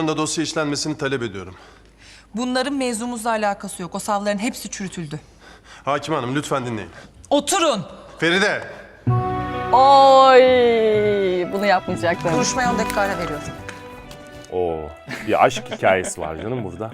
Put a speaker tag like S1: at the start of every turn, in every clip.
S1: da dosya işlenmesini talep ediyorum.
S2: Bunların mevzumuzla alakası yok. O savların hepsi çürütüldü.
S1: Hakim Hanım lütfen dinleyin.
S2: Oturun.
S1: Feride!
S3: Oy, bunu yapmayacaktım.
S2: Konuşmaya 10 dakika ara veriyorum.
S4: Oo, bir aşk hikayesi var canım burada.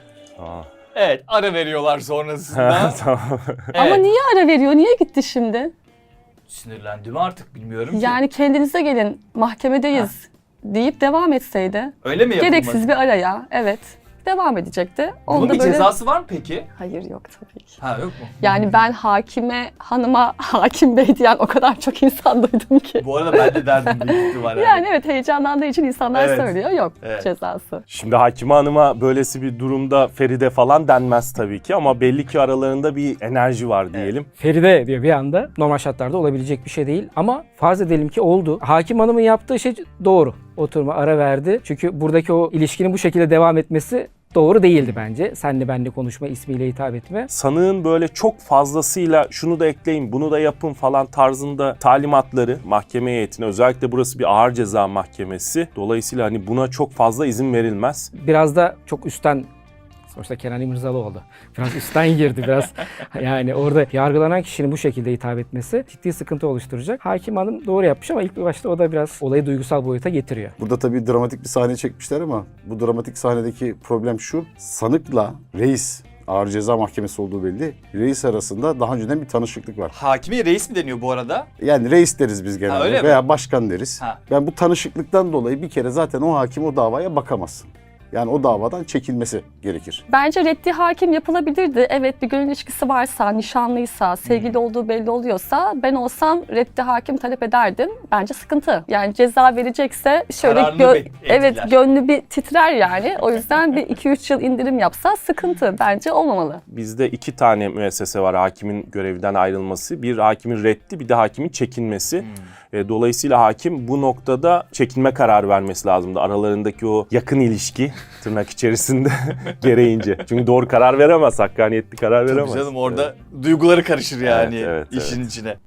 S5: Evet, ara veriyorlar sonrasında.
S4: Tamam.
S3: Ama
S5: Evet.
S3: niye ara veriyor? Niye gitti şimdi?
S5: Sinirlendi mi artık bilmiyorum ki.
S3: Yani kendinize gelin, mahkemedeyiz deyip devam etseydi.
S5: Öyle mi yapılmadı?
S3: Gereksiz bir araya, evet. Devam edecekti.
S5: Bunun
S3: Onu da
S5: bir
S3: böyle...
S5: cezası var mı peki?
S3: Hayır, yok tabii ki.
S5: Ha, yok mu?
S3: Yani ben hakime, hanıma hakim bey diyen o kadar çok insan duydum ki.
S5: Bu arada ben de derdim büyük ihtimalle.
S3: Yani evet, heyecanlandığı için insanlar
S5: Evet.
S3: söylüyor. Yok
S5: Evet.
S3: cezası.
S4: Şimdi Hakime Hanım'a böylesi bir durumda Feride falan denmez tabii ki ama belli ki aralarında bir enerji var diyelim.
S6: Feride diyor bir anda. Normal şartlarda olabilecek bir şey değil ama farz edelim ki oldu. Hakim Hanım'ın yaptığı şey doğru. Oturma ara verdi. Çünkü buradaki o ilişkinin bu şekilde devam etmesi doğru değildi bence. Senle benle konuşma, ismiyle hitap etme.
S4: Sanığın böyle çok fazlasıyla şunu da ekleyin, bunu da yapın falan tarzında talimatları mahkeme heyetine, özellikle burası bir ağır ceza mahkemesi. Dolayısıyla hani buna çok fazla izin verilmez.
S6: Biraz da çok üstten, sonuçta Kenan İmirzalıoğlu. Biraz üstten girdi biraz. Yani orada yargılanan kişinin bu şekilde hitap etmesi ciddi sıkıntı oluşturacak. Hakim Hanım doğru yapmış ama ilk başta o da biraz olayı duygusal boyuta getiriyor.
S7: Burada tabii dramatik bir sahne çekmişler ama bu dramatik sahnedeki problem şu. Sanıkla reis, ağır ceza mahkemesi olduğu belli. Reis arasında daha önceden bir tanışıklık var.
S5: Hakime reis mi deniyor bu arada?
S7: Yani reis deriz biz genelde
S5: öyle mi?
S7: veya başkan deriz.
S5: Ha.
S7: Yani bu tanışıklıktan dolayı bir kere zaten o hakim o davaya bakamaz. Yani o davadan çekilmesi gerekir.
S3: Bence reddi hakim yapılabilirdi. Evet, bir gönül ilişkisi varsa, nişanlıysa, sevgili olduğu belli oluyorsa ben olsam reddi hakim talep ederdim. Bence sıkıntı. Yani ceza verecekse şöyle
S5: Kararını etkiler.
S3: evet, gönlü bir titrer yani. O yüzden bir 2-3 yıl indirim yapsa sıkıntı. Bence olmamalı.
S4: Bizde 2 tane müessese var hakimin görevden ayrılması. Bir hakimin reddi, bir de hakimin çekilmesi. Dolayısıyla hakim bu noktada çekilme kararı vermesi lazımdı. Aralarındaki o yakın ilişki tırnak içerisinde gereğince. Çünkü doğru karar veremez, hakkaniyetli karar veremez.
S5: Tabii canım orada duyguları karışır yani
S4: Evet, evet,
S5: işin içine.